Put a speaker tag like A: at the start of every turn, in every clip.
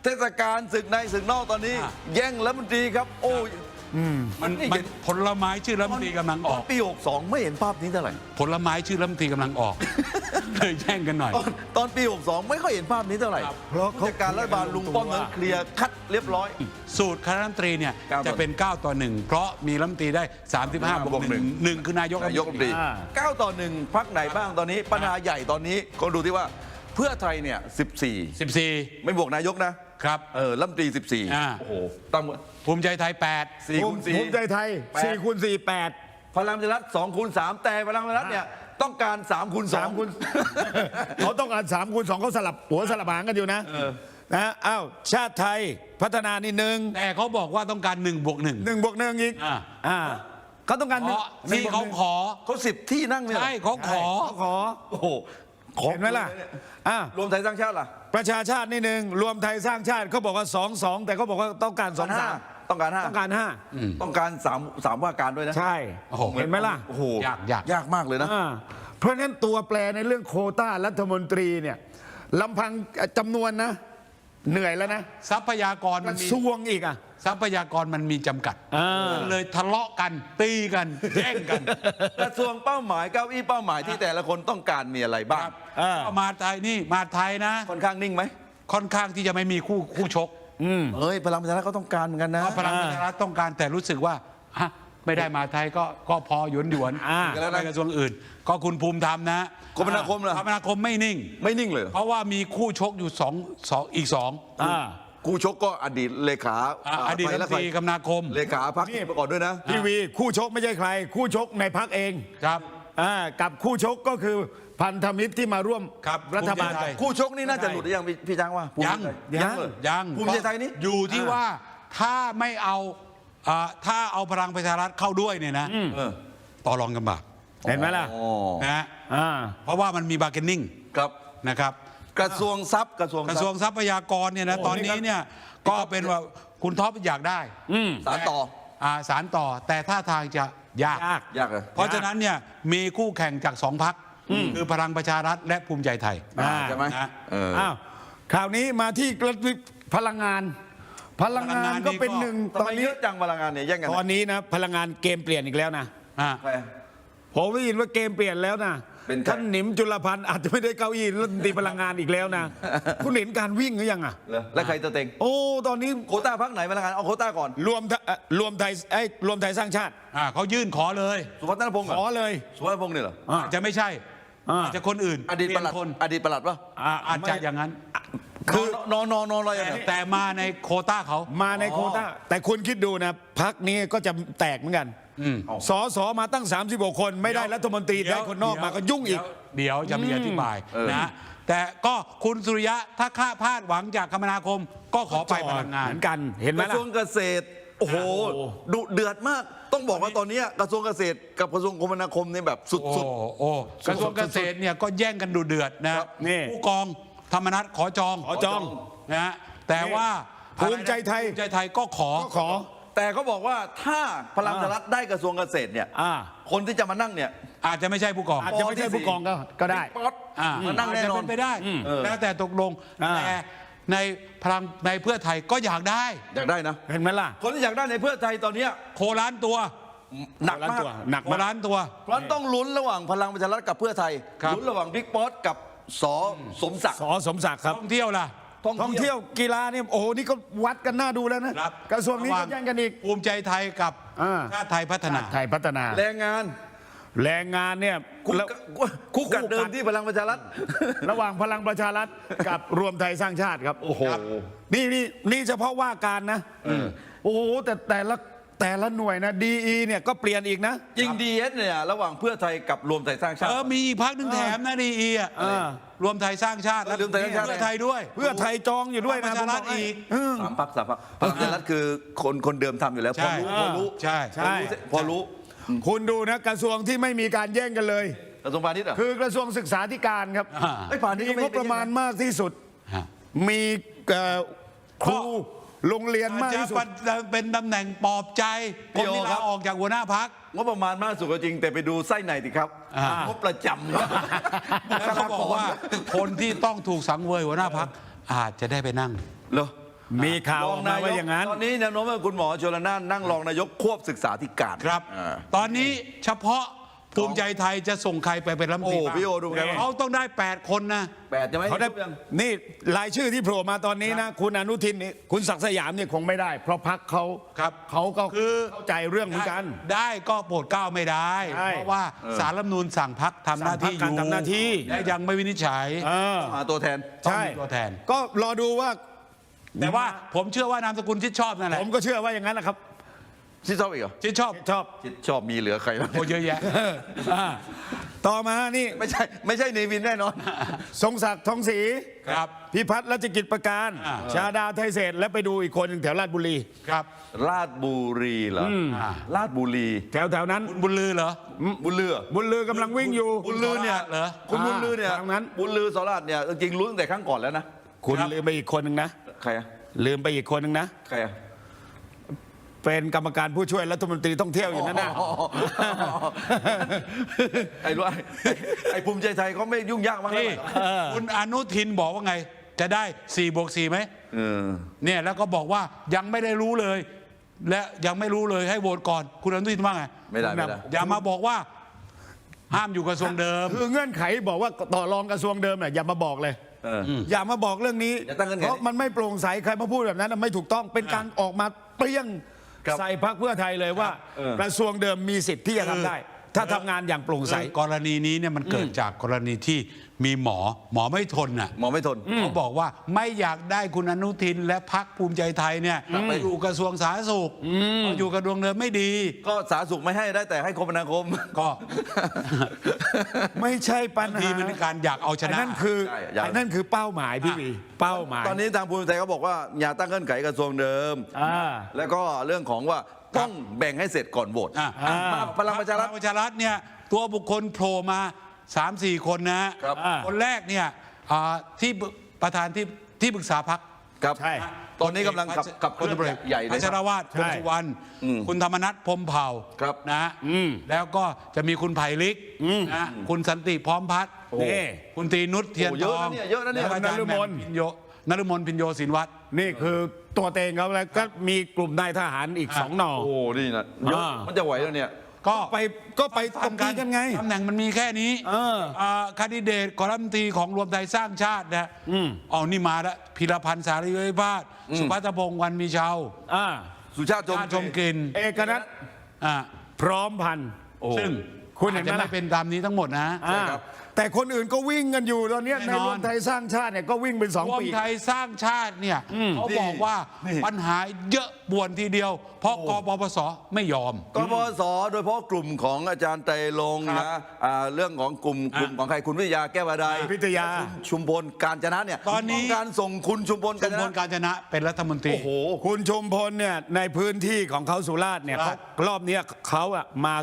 A: เทศกาลศึกในศึกนอกตอนนี้แย่งรัฐมนตรีครับโอ้ย
B: มันผลไม้ชื่อรัฐมนตรีกำลังออก
A: ปี62ไม่เห็นภาพนี้เท่าไหร่
B: ผลไม้ชื่อรัฐมนตรีกำลังออกเลยแย่งกันหน่อย
A: ตอนปี62ไม่ค่อยเห็นภาพนี้เท่าไหร่เพราะราชการรัฐบาลลุงป้อมนั้นเคลียร์คัดเรียบร้อย
B: สูตรคณะรัฐมนตรีเนี่ยจะเป็น9-1เพราะมีรัฐมนตรีได้35+1คือนายกรัฐมนตรี
A: 9-1พรรคไหนบ้างตอนนี้ปัญหาใหญ่ตอนนี้ก็ดูที่ว่าเพื่อไทยเนี่ย14ไม่บวกนายกนะครับรัฐมนตรี14โอ้โหตั้ง
B: ภูมิใจไทย8
A: 4 คูณ 4
C: ภูมิใจไทย4 คูณ 4 8
A: พลังประชารัฐ2 คูณ 3แต่พลังประชารัฐเนี่ยต้องการ3 คูณ 2
C: 3 คูณเขาต้องการ3 คูณ 2เขาสลับหัวสลับหางกันอยู่นะอ้าวชาติไทยพัฒนานี่1
B: แต่เขาบอกว่าต้องการ1+1
C: 1+1อีกเขาต้องการ
B: ที่เขาขอ
A: เขา10 ที่นั่งเนี่ย
B: ใช่เขาขอ
A: โอ้โห
C: เห็นไหมล่ะ
A: รวมไทยสร้างชาติล่ะ
C: ประชาชาตินี่1รวมไทยสร้างชาติเขาบอกว่า2 แต่เขาบอกว่าต้องการ2
A: ต้องการ5
C: ต้องการ
A: 3ว่าการด้วยนะ
C: ใช่เห็นไหมล่ะ
A: โอ้โหยากมากเลยนะ
C: เพราะฉะนั้นตัวแปรในเรื่องโควต้ารัฐมนตรีเนี่ยลำพังจำนวนนะเหนื่อยแล้วนะ
B: ทรัพยากร
C: มันซ่วงอีก
B: ทรัพยากรมันมีจำกัดเลยทะเลาะกันตีกันแย่งกัน
A: กระทรวงเป้าหมายเก้าอี้เป้าหมายที่แต่ละคนต้องการมีอะไรบ้าง
B: มาไทยนี่มาไทยนะ
A: ค่อนข้างนิ่งไหม
B: ค่อนข้างที่จะไม่มีคู่ชก
A: พลังประชารัฐก็ต้องการเหมือนกันนะ
B: พลังประชารัฐต้องการแต่รู้สึกว่าไม่ได้มาไทยก็พอหยวนแล้วในกระทรวงอื่นก็คุณภูมิธรรมนะ
A: คมนาคมเหรอ
B: คมนาคมไม่นิ่ง
A: เลย
B: เพราะว่ามีคู่ชกอยู่อีก2
A: คู่ชกก็อดีตเลขา
B: อดีตรัฐมนตรีคมนาคม
A: เลขาพรรคประกอบด้วยนะ
C: ทีวีคู่ชกไม่ใช่ใครคู่ชกในพรรคเอง
B: ครับ
C: กับคู่ชกก็คือพันธมิตรที่มาร่วมรัฐบาล
A: คู่ชกนี่น่าจะหลุดหรือยังพี่ช้างว่า
B: ยัง
A: ภูมิใจไทยนี่
B: อยู่ที่ว่าถ้าไม่เอาถ้าเอาพลังประชารัฐเข้าด้วยเนี่ยนะต่อรองกันบาก
C: เห็นไหมล่ะ
B: นะเพราะว่ามันมีบาร์เกนนิ่งนะครับ
A: กระทรวงทรัพย์กระทรวง
B: ทรัพยากรเนี่ยนะตอนนี้เนี่ยก็เป็นว่าคุณท็อปอยากได้
A: สาร
B: ต่อแต่ท่าทางจะยาก
A: เลย
B: เพราะฉะนั้นเนี่ยมีคู่แข่งจาก2 พรรคคือพลังประชารัฐและภูมิใจไทย
A: ใช่ไหม
C: คราวนี้มาที่พลังงานก็เป็น1ตอนนี้
A: เยอะจังพลังงานเนี่ยแย่งกัน
C: ตอนนี้นะพลังงานเกมเปลี่ยนอีกแล้วนะผมได้ยินว่าเกมเปลี่ยนแล้วนะท่านหนิมจุลพันธ์อาจจะไม่ได้เก้าอี้รัฐมนตรีพลังงานอีกแล้วนะคุณเห็นการวิ่งหรือยัง
A: แล้วใครจะเต็ง
C: ตอนนี้
A: โควต้าพรรคไหนพลังงานเอาโควต้าก่อน
C: รวมไทยสร้างชาติ
B: เขายื่นขอเลย
A: สุวัฒนพงศ์
C: ขอเลย
A: สุวัฒนพงศ์เนี่ยเหรอ
B: จะไม่ใช่จะคนอื่น
A: อดีตปลัดป่ะ
B: อาจจะอย่างนั้น
A: คือนอะไร
B: แต่มาในโควต้าเขา
C: มาในโควต้าแต่คุณคิดดูนะพรรคนี้ก็จะแตกเหมือนกันสมาตั้ง36 คนไม่ได้รัฐมนตรีได้คนนอกมาก็ยุ่งอีก
B: เดี๋ยวจะมีอธิบายนะแต่ก็คุณสุริยะถ้าข้าพาดหวังจากคมนาคมก็ขอไปพลังงาน
C: เหมือนกันเห็นไหมล่ะ
A: กระทรวงเกษตรโอ้โหดุเดือดมากต้องบอกว่าตอนนี้กระทรวงเกษตรกับกระทรวงคมนาคมเนี่ยแบบสุด
B: กระทรวงเกษตรเนี่ยก็แย่งกันดุเดือดนะผู้กองธรรมนัสขอจองนะแต่ว่า
C: ภูมิใจไทย
B: ก็ขอ
A: แต่เขาบอกว่าถ้าพลังประชารัฐได้กระทรวงเกษตรเนี่ยคนที่จะมานั่งเนี่ย
B: อาจจะไม่ใช่ผู้กอง
C: อาจจะไม่ใช่ผู้กองก็ได้
A: มานั่งแน่นอน
B: ไปได้แล้วแต่ตกลงแต่ในพลังในเพื่อไทยก็อยากได้
A: นะ
C: เห็นไหมล่ะ
A: คนที่อยากได้ในเพื่อไทยตอนนี้
B: โคล้านตัว
A: หนักมาก
B: โคล้านตัว
A: เพราะต้องลุ้นระหว่างพลังประชารัฐกับเพื่อไทยลุ้นระหว่างบิ๊กป๊อตกับสมศักดิ์
C: ครับ
B: ท่องเที่ยวล่ะ
C: ท่องเที่ยวกีฬาเนี่ยโอ้โหนี่ก็วัดกันหน้าดูแล้วนะกระทรวงนี้ก็แย่งกันอีก
B: ภูมิใจไทยกับชาติไทยพัฒนา
A: แรงงาน
C: เนี่ย
A: คู่กัดเดิมที่พลังประชารัฐ
C: ระหว่างพลังประชารัฐกับรวมไทยสร้างชาติครับโอ้โหนี่เฉพาะว่าการนะโอ้โหแต่ละหน่วยนะดีเนี่ยก็เปลี่ยนอีกนะ
A: จริงดีเนี่ยระหว่างเพื่อไทยกับรวมไทยสร้างชาติ
B: มีอีกพรรคหนึ่งแถมนะดีรวมไทยสร้างชาติและเพื่อไทยด้วย
C: เพื่อไทยจองอยู่ด้วยนะ
B: ประชารัฐอีก
A: 3 พรรคประชารัฐคือคนเดิมทำอยู่แล้วพอรู้พอรู้
C: คุณดูนะกระทรวงที่ไม่มีการแย่งกันเลย
A: กระทรวงพาณิชย์
C: คือกระทรวงศึกษาธิการครับมีงบประมาณมากที่สุดมีครูโรงเรียนมากที่สุด
B: เป็นตำแหน่งปลอบใจคนที่ลาออกจากหัวหน้าพรรค
A: งบประมาณมากสุดก็จริงแต่ไปดูไส้ในสิครับงบประจำ
B: แล้วเขาบอกว่าคนที่ต้องถูกสังเวยหัวหน้าพรรคอาจจะได้ไปนั่ง
A: เหรอ
C: มีข่าวออกมาว่าอย่างนั้น
A: ตอนนี้แนวโน้มว่าคุณหมอชลน่านนั่งรองนายกควบศึกษาธิการ
B: ครับ ตอนนี้เฉพาะภูมิใจไทยจะส่งใครไปเป็นรัฐมนตรี
A: โอ้พี่โอดูไง
B: เขาต้องได้ 8 คนนะ
A: 8จะไหม
C: เขาได้นี่รายชื่อที่โผล่มาตอนนี้นะคุณอนุทินนี่คุณศักดิ์สยามเนี่ยคงไม่ได้ เพราะพรรคเขา
B: ครับ
C: เขาก็
B: คือ
C: เข้าใจเรื่องเหมือนกัน
B: ได้ก็โปรดเกล้าไม่ได้
C: ใช่
B: เพราะว่าสารรัฐธรรมนูญสั่งพักทำหน้าที่
C: สั่งพรรคการทำหน้าที่
B: และยังไม่วินิจฉัย
A: หาตัวแทน
C: ใช่
B: ต้องมีตัวแทน
C: ก็รอดูว่า
B: แต่ว่าผมเชื่อว่านามสกุลชิดชอบนั่นแหละ
C: ผมก็เชื่อว่าอย่างนั้นนะครับ
A: ชิดชอบอีกเหรอ
B: ชิดชอบ
C: ชอบ
A: ชิดชอบมีเหลือใครบ้าง
B: โอ้เยอะแยะ
C: ต่อมานี่
A: ไม่ใช่เนวินแน่นอน
C: ทรงศักดิ์ทองศรี
B: ครับ
C: พิพัฒน์รัชกิจประการ ชาดาไทยเศรษฐ์และไปดูอีกคนหนึ่งแถวราชบุรี
B: ครับ
A: ราชบุรีเหรอราชบุรี
C: แถวนั้น
B: คุณบุญลือเหรอ
A: บุญเรือ
C: บุญลือกำลังวิ่งอยู่
A: บุญลือเนี่ย
B: เหรอ
A: คุณบุญลือเนี่ย
C: ทางนั้น
A: บุญลือสราชเนี่ยจริงๆรู้ตั้งแต่ครั้งก่อนแล้วนะ
C: คุณ
B: ครับ
C: ลืมไปอีกคนหนึ่งนะ
A: ใครอะ
C: ลืมไปอีกคนหนึ่งนะ
A: ใครอะ
C: เป็นกรรมการผู้ช่วยรัฐมนตรีท่องเที่ยวอยู่นั่นนะ
A: ไอ้รู้ไอ้ภูมิใจไทยเขาไม่ยุ่งยากมากเลย
B: นี่คุณอนุทินบอกว่าไง จะได้4+4ไหม เนี่ยแล้วก็บอกว่ายังไม่ได้รู้เลย และยังไม่รู้เลยให้โหวตก่อน คุณอนุทินว่าไง
A: ไม่ได้
B: อย่ามาบอกว่า ห้ามอยู่กระทรวงเดิม
C: คือเงื่อนไขบอกว่าต่อรองกระทรวงเดิมน่ะอย่ามาบอกเลย อย่ามาบอกเรื่องนี้
A: อย่าตั้งเงื่อนไข
C: เพราะมันไม่โปร่งใสใครมาพูดแบบนั้นน่ะไม่ถูกต้องเป็นการออกมาเปรี้ยง
A: ครับ
C: ใส่พรรคเพื่อไทยเลยว่า กระทรวงเดิมมีสิทธิ์ที่จะทำได้ ถ้าทำงานอย่างโปร่งใส
B: กรณีนี้เนี่ยมันเกิดจากกรณีที่มีหมอไม่ทนน่ะ
A: หมอไม่ทน
B: เขาบอกว่าไม่อยากได้คุณอนุทินและพรรคภูมิใจไทยเนี่ยไปอยู่กระทรวงสาธารณสุขอยู่กระทรวงเดิมไม่ดี
A: ก็สาธารณสุขไม่ให้ได้แต่ให้คมนาคม
B: ก็
C: ไม่ใช่ปัญ
B: ที
C: หา
B: เป็นการอยากเอาช
C: อัน
B: นะ
C: นั่นคือ
A: ใช่อยาก
C: อันนั่นคือเป้าหมายพี่วีเป้าหมาย
A: ตอนนี้ทางภูมิใจไทยเขาบอกว่าอย่าตั้งเงื่อนไขกระทรวงเดิม แล้วก็เรื่องของว่าต้องแบ่งให้เสร็จก่อนโหวต มาพลังประชารัฐ
B: พลังประชารัฐเนี่ยตัวบุคคลโผล่มา 3-4 คนนะครับ คนแรกเนี่ยที่ประธานที่ปรึกษาพรรค
A: ครับ
C: ใช่
A: ตอนนี้กำลังขับเคลื่อนใหญ่เลย
B: พัชรวาทวงสุวรรณคุณธรรมนัฐพรหมเผ่า
A: ครับ
B: นะแล้วก็จะมีคุณไผ่ลิกนะคุณสันติพร้อมพัฒน์
C: นี่
B: คุณตรีนุชเทียน
A: โอ้
B: ท
A: เยอะ
B: อง
A: นะเนี่ยเยอะนะเนี่ย
B: แล้วก็อาจารย์
C: นฤมล
B: นฤมลพินโยศินวัตร
C: นี่คือตัวเต็งเขาแล้วก็มีกลุ่มนายทหารอีก2 หน่อ
A: โอ้นี่นะเยอะ มันจะไหวแล้วเนี่ย
B: ก็
C: ไปตรงกันไง
B: ตำแหน่งมันมีแค่นี้คาดิเดตกรัฐมนตรีของรวมไทยสร้างชาตินะเอานี่มาแล้วพิรพันธ์สารีวิพาสสุพัฒพงษ์วันมีเชา
A: สุชาติชม
B: ชมกลิ่น
C: เอกนัท
B: อ่า
C: พร้อมพันธ์
B: ซึ่ง
C: คุณเห็นไหม
B: อาจจะ
C: ล่ะ
B: ไม่เป็นตามนี้ทั้งหมดนะ
A: ครับ
C: แต่คนอื่นก็วิ่งกันอยู่ตอนเนี้ย
B: แน่นอน
C: ในรวมไทยสร้างชาติเนี่ยก็วิ่งเป็น
B: รว
C: 2
B: ม
C: ปี
B: ไทยสร้างชาติเนี่ยเขาบอกว่า
A: นี่
B: ปัญหาเยอะป่วนทีเดียว เพราะกปปสไม่ยอม
A: กปปสโดยเฉพาะกลุ่มของอาจารย์ไตรลงค์นะเรื่องของกลุ่มของใครคุณวิทยาแก้ววาได
C: วิทยา
A: คุณชุมพลการจนะเนี่ย
B: ตอนนี้
A: งการส่งคุณชุมพล
B: ชุ
A: การ
B: ม
A: จ
B: พล
A: นะ
B: การจนะเป็นรัฐมนตรี
A: โอ้โห
C: คุณชุมพลเนี่ยในพื้นที่ของเขาสุราษฎร์เนี่ย
B: สุราษฎร์
C: รอบเนี้ยเขาอะมา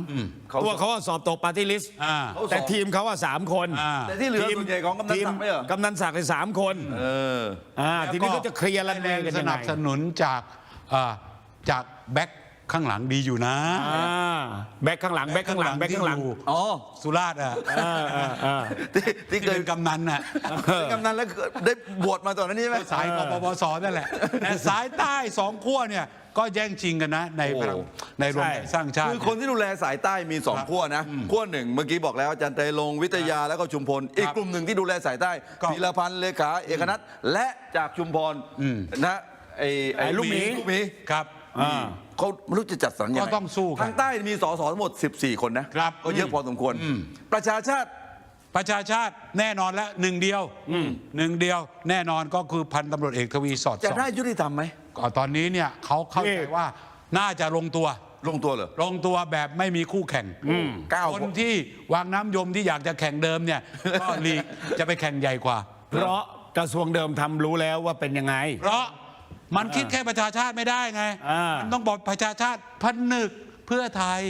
C: 3ตัวเขาอะสอบตกปาร์ตี้ลิสต์
B: อ่า
C: แต่ทีมเขาอะ3 คน
A: แต่ที่เหลือส่วนใหญ่ของกำนันศักดิ์ไม่เหรอ
C: กำนันศักดิ์เลย3 คนทีนี้ก็จะเคลียร์รันเวย์กัน
B: ส
C: ยังไง
B: นับสนุนจากแบ็คข้างหลังดีอยู่นะ
C: แบ็คข้างหลังแบ็คข้างหลังแบ็คข้างหลัง
B: ที่อยู่
A: อ๋อ
B: สุราษฎร์อ่ะ
A: ที่
B: ที่
A: เคย
B: เป็นกำนันน่ะ
A: เป็นกำนันแล้วได้บวชมาตอนนั้นนี่ไหม
B: สายกปปสนั่นแหละแต่สายใต้2 ขั้วเนี่ยก็แย่งชิงกันนะในพลังในรวมไทยสร้างชาติ
A: คือคนที่ดูแลสายใต้มี2ขั้วนะขั้วหนึ่งเมื่อกี้บอกแล้วอาจารย์ไตรลงค์วิทยาแล้วก็ชุมพล อีกกลุ่มหนึ่งที่ดูแลสายใต้
B: ก็
A: พีรพันธ์เลขาเอกนัทและจากชุมพรนะไอ้
C: ลูกหมี
B: ครับ
A: เขาไม่รู้จะจัดสรรยังไง
B: ก็ต้องสู้กัน
A: ทางใต้มีสสทั้งหมด14 คนนะครับ ก็เยอะพอสมควรประชาชาติ
B: ประชาชาติแน่นอนแล้วหนึ่งเดียวแน่นอนก็คือพันตำรวจเอกทวีสอด
A: จะ
B: ส่อง
A: ได้ยุติธรรมไหม
B: ก็ตอนนี้เนี่ยเขาเข้าใจว่าน่าจะลงตัว
A: ลงตัวเหรอ
B: ลงตัวแบบไม่มีคู่แข่ง
A: 9
B: คนที่วางน้ำยมที่อยากจะแข่งเดิมเนี่ย ก็ลีกจะไปแข่งใหญ่กว่า
C: เพราะกระทรวงเดิมทำรู้แล้วว่าเป็นยังไง
B: เพราะมันคิดแค่ประชาชาติไม่ได้ไง มันต้องบอกประชาชาติผนึกเพื่อไทย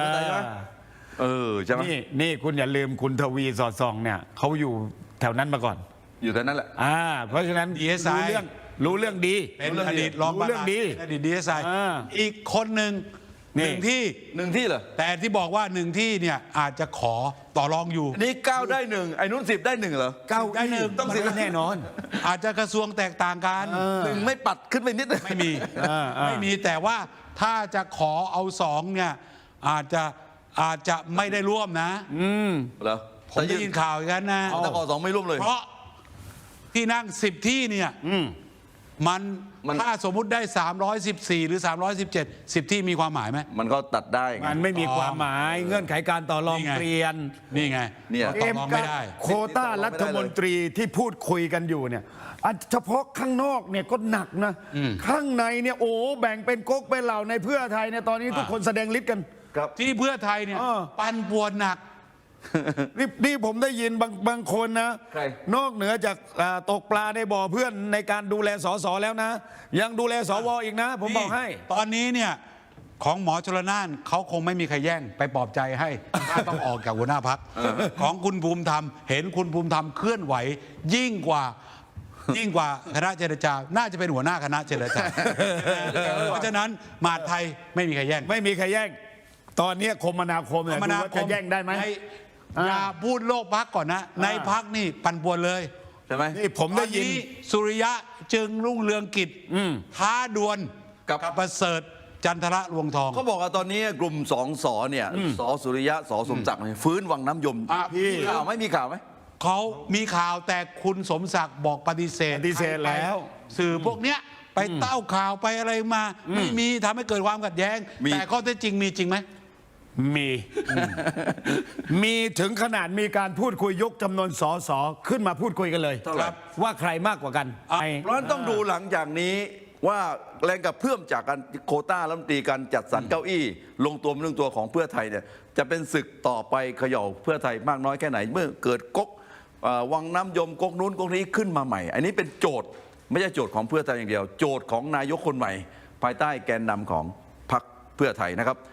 A: ใช่ไหม
C: นี่คุณอย่าลืมคุณทวีสอดส่องเนี่ยเขาอยู่แถวนั้นมาก่อน
A: อยู่แถวนั้นแหละ
C: เพราะฉะนั้น
B: DSI
C: รู้เรื่องดี
B: เป็นอดีตรองประธาน
C: เรื่องดี
B: อดีตดีเอสไออีกคนหนึ่งหนึ่งที่
A: หนึ่งที่เหรอ
B: แต่ที่บอกว่าหนึ่งที่เนี่ยอาจจะขอต่อรองอยู่
A: อันนี้9ได้1ไอ้นู้น10ได้1เหรอ
C: เก้า
B: ได้หนึ่ง
C: ต้องแน่นอน
B: อาจจะกระทรวงแตกต่างกัน
A: หนึ่งไม่ปัดขึ้นไปนิดนึง
B: ไม่มี
C: อ่า
B: ไม่มีแต่ว่าถ้าจะขอเอาสองเนี่ยอาจจะไม่ได้ร่วมนะ
A: เหรอ
B: ผมได้ยินข่าวอย่างนั้นนะ
A: แต่ขอ2ไม่ร่วมเลย
B: เพราะที่นั่ง10ที่เนี่ยมัน
A: มัน
B: ถ้าสมมุติได้314หรือ317 10ที่มีความหมายไหม
A: มันก็ตัดได้ไง
C: มันไม่มีความหมายเงื่อนไขการต่อรอง
B: นี่ไง
C: เปลี่ยน
B: นี่ไง
A: เนี่ย
B: ต่อรองไม่ได้
C: โควต้ารัฐมนตรีที่พูดคุยกันอยู่เนี่ยเฉพาะข้างนอกเนี่ยก็หนักนะ ข้างในเนี่ยโอ้แบ่งเป็นก๊กเป็นเหล่าในเพื่อไทยเนี่ยตอนนี้ทุกคนแสดงฤทธิ์กัน
A: ครับ
B: ที่เพื่อไทยเนี่ย ปั่นป่วนหนัก
C: นี่ผมได้ยินบางคนนะ
A: ใคร
C: นอกเหนือจากตกปลาในบ่อเพื่อนในการดูแลสสแล้วนะ ยังดูแลสวอีกนะ ผมบอกให้
B: ตอนนี้เนี่ยของหมอชลน่านเขาคงไม่มีใครแย่งไปปลอบใจให้ ถ้าต้องออกจากหัวหน้าพักของคุณภูมิธรรมเห็นคุณภูมิธรรมเคลื่อนไหวยิ่งกว่าคณะเจรจาน่าจะเป็นหัวหน้าคณะเจรจาเพราะฉะนั้นมหาดไทยไม่มีใครแย่ง
C: ไม่มีใครแย่ง ตอนนี้คมนาคมเนี่ยดูว่าจะแย่งได้ไหม
B: อย่าพูดโลกพักก่อนนะ ในพักนี่ปั่นป่วนเลย
A: ใช่ไหม
C: นี่ผมได้ยิน
B: ตอสุริยะจึงรุ่งเรืองกิจท้าดวล
A: กับ
B: ประเสริฐจันทระรวงทอง
A: เขาบอกว่าตอนนี้กลุ่ม2 สเนี่ยสสุริยะสสมศักดิ์เนี่ยฟื้นวังน้ำยม
B: พี่
A: มีข่าวไหมมีข่าวไหม
B: เขามีข่าวแต่คุณสมศักดิ์บอกปฏิเสธ
C: ปฏิเสธแล้ว
B: สื่อพวกเนี้ยไปเต้าข่าวไปอะไรมา ไม่มีทำให้เกิดความขัดแย้ง
A: มี
B: แต่ข้อเท็จจริงมีจริงไหม
C: มีถึงขนาดมีการพูดคุยยกจำนวนสสขึ้นมาพูดคุยกันเลย
A: เท่าไหร่
C: ว่าใครมากกว่ากัน
A: เพราะฉะนั้นต้องดูหลังจากนี้ว่าแรงกับเพื่อมจากการโควต้ารัฐมนตรีการจัดสรรเก้าอี้ ลงตัวเป็นเรื่องตัวของเพื่อไทยเนี่ยจะเป็นศึกต่อไปเขย่าเพื่อไทยมากน้อยแค่ไหนเมื่อเกิดก๊กวังน้ำยมก๊กนู้นก๊กนี้ขึ้นมาใหม่ อันนี้เป็นโจทย์ไม่ใช่โจทย์ของเพื่อไทยอย่างเดียว โจทย์ของนายกคนใหม่ ภายใต้แกนนำของพรรคเพื่อไทยนะครับ